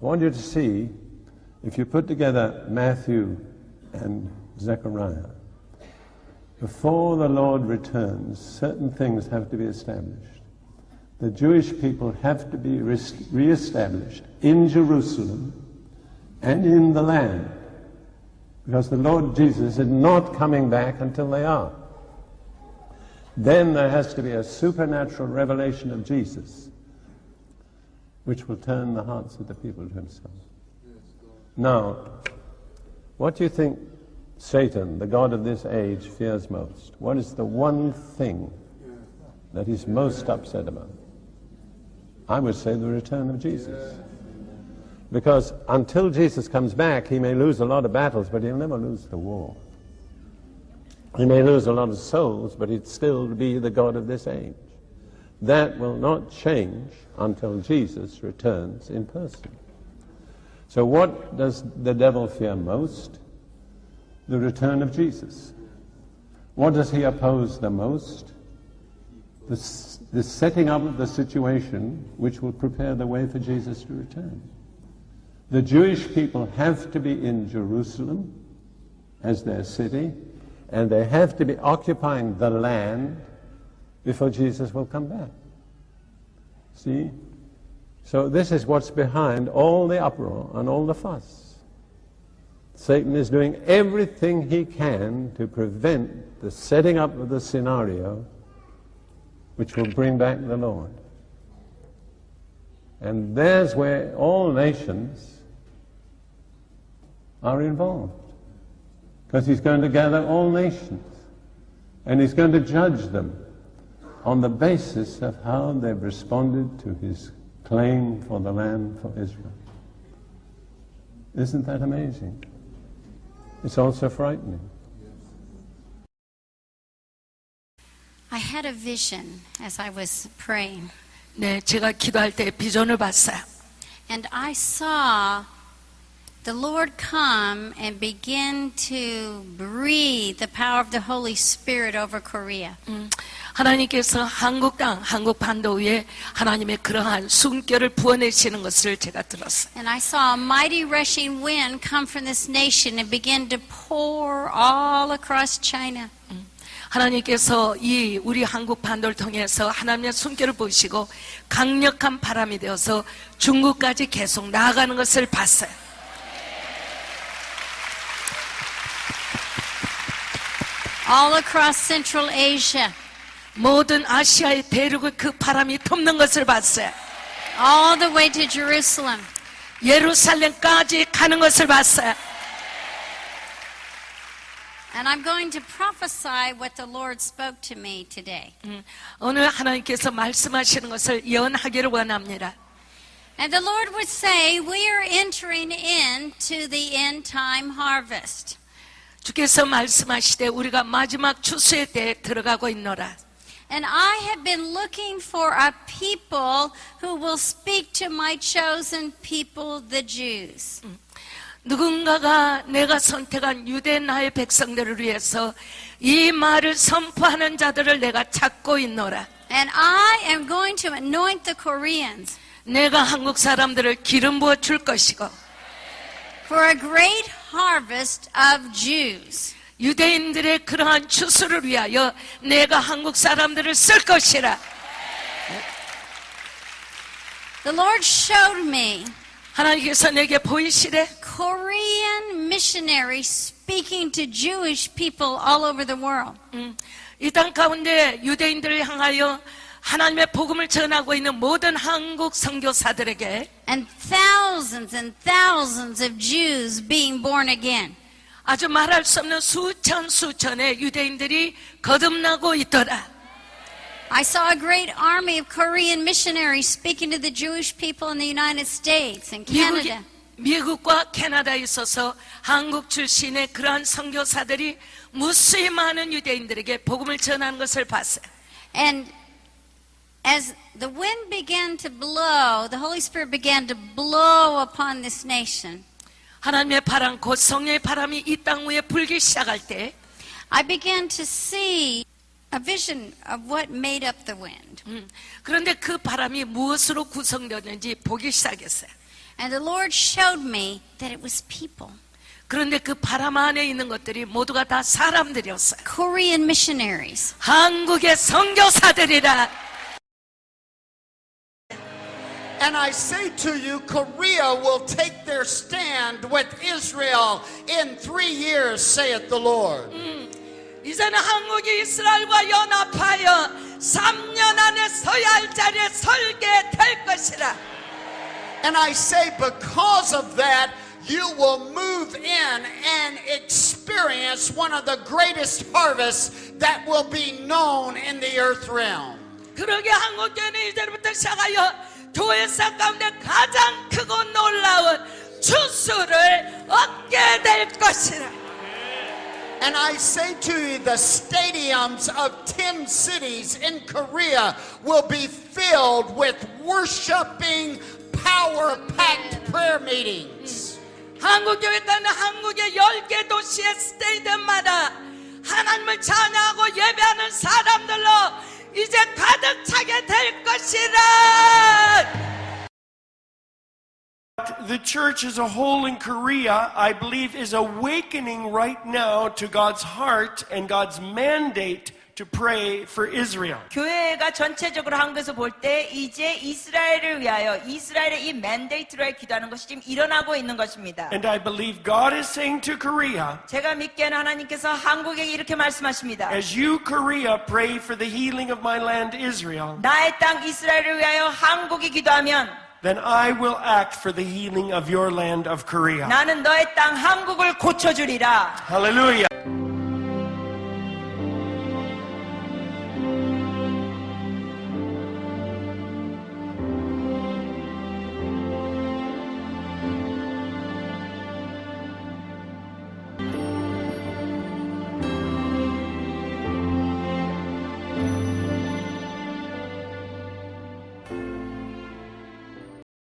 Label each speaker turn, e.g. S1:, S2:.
S1: I want you to see, if you put together Matthew and Zechariah, before the Lord returns, certain things have to be established. The Jewish people have to be re-established in Jerusalem and in the land, because the Lord Jesus is not coming back until they are. Then there has to be a supernatural revelation of Jesus, which will turn the hearts of the people to himself. Now, what do you think Satan, the god of this age, fears most? What is the one thing that he's most upset about? I would say the return of Jesus. Because until Jesus comes back, he may lose a lot of battles, but he'll never lose the war. He may lose a lot of souls, but he'd still be the god of this age. That will not change until Jesus returns in person. So what does the devil fear most? The return of Jesus. What does he oppose the most? The setting up of the situation which will prepare the way for Jesus to return. The Jewish people have to be in Jerusalem as their city, and they have to be occupying the land before Jesus will come back. See? So this is what's behind all the uproar and all the fuss. Satan is doing everything he can to prevent the setting up of the scenario which will bring back the Lord. And there's where all nations are involved. Because he's going to gather all nations. And he's going to judge them on the basis of how they've responded to his claim for the land for Israel. Isn't that amazing? It's also frightening.
S2: I had a vision as I was praying.
S3: 네, 제가 기도할 때 비전을 봤어요.
S2: And I saw the Lord come and begin to breathe the power of the Holy Spirit over Korea.
S3: 하나님께서 한국 땅, 한국 반도 위에 하나님의 그러한 숨결을 부어내시는 것을 제가 들었어요.
S2: And I saw a mighty rushing wind come from this nation and begin to pour all across China.
S3: 하나님께서 이 우리 한국 반도를 통해서 하나님의 숨결을 보시고 강력한 바람이 되어서 중국까지 계속 나아가는 것을 봤어요.
S2: All across Central Asia.
S3: 모든 아시아의 대륙을 그 바람이 덮는 것을 봤어요.
S2: All the way to Jerusalem.
S3: 예루살렘까지 가는 것을 봤어요.
S2: And I'm going to prophesy what the Lord spoke to me today.
S3: 오늘 하나님께서 말씀하시는 것을 예언하기를 원합니다.
S2: And the Lord would say, we are entering into the end time harvest.
S3: 주께서 말씀하시되 우리가 마지막 추수의 때에 들어가고 있노라.
S2: And I have been looking for a people who will speak to my chosen people, the Jews.
S3: 누군가가 내가 선택한 유대 나의 백성들을 위해서 이 말을 선포하는 자들을 내가 찾고 있노라.
S2: And I am going to anoint the Koreans.
S3: 내가 한국 사람들을 기름 부어 줄 것이고
S2: for a great harvest of Jews.
S3: 유대인들의 그러한 추수를 위하여 내가 한국 사람들을 쓸 것이라.
S2: The Lord showed me
S3: 하나님께서 내게 보이시되
S2: Korean missionaries speaking to Jewish people all over the world.
S3: 이 땅 가운데 유대인들을 향하여 하나님의 복음을 전하고 있는 모든 한국 선교사들에게
S2: and thousands of Jews being born again.
S3: 아주 말할 수 없는 수천의 유대인들이 거듭나고 있더라.
S2: I saw a great army of Korean missionaries speaking to the Jewish people in the United States and Canada.
S3: 미국과 캐나다에 있어서 한국 출신의 그러한 선교사들이 무수히 많은 유대인들에게 복음을 전하는 것을 봤어요.
S2: And as the wind began to blow, the Holy Spirit began to blow upon this nation.
S3: 하나님의 바람, 곧 성령의 바람이 이 땅 위에 불기 시작할 때
S2: I began to see a vision of what made up the wind.
S3: 그런데 그 바람이 무엇으로 구성되었는지 보기 시작했어요.
S2: And the Lord showed me that it was people.
S3: 그런데 그 바람 안에 있는 것들이 모두가 다 사람들이었어요.
S2: Korean missionaries.
S3: 한국의 선교사들이라.
S4: And I say to you, Korea will take their stand with Israel in 3 years, saith the Lord.
S3: 이제는 한국이 이스라엘과 연합하여 3년 안에 서야 할 자리에 설게 될 것이라.
S4: And I say, because of that, you will move in and experience one of the greatest harvests that will be known in the earth realm.
S3: 그러게 한국교회는 이제부터 시작하여 교회사 가운데 가장 크고 놀라운 추수를 얻게 될 것이라.
S4: And I say to you, the stadiums of 10 cities in Korea will be filled with worshiping, power-packed prayer meetings.
S3: 한국교회는 한국의 10개 도시의 스테이디움마다 하나님을 찬양하고 예배하는 사람들로 이제 가득 차게 될 것이라.
S5: The church as a whole in Korea, I believe, is awakening right now to God's heart and God's mandate to pray for Israel.
S6: 교회가 전체적으로 한국에서 볼 때 이제 이스라엘을 위하여 이스라엘의 이 맨데이트로 기도하는 것이 지금 일어나고 있는 것입니다.
S5: And I believe God is saying to Korea,
S6: 제가 믿기에는 하나님께서 한국에게 이렇게 말씀하십니다.
S5: as you, Korea, pray for the healing of my land, Israel,
S6: 나의 땅 이스라엘을 위하여 한국이 기도하면
S5: then I will act for the healing of your land of Korea.
S6: 나는 너의 땅 한국을 고쳐주리라.
S5: Hallelujah.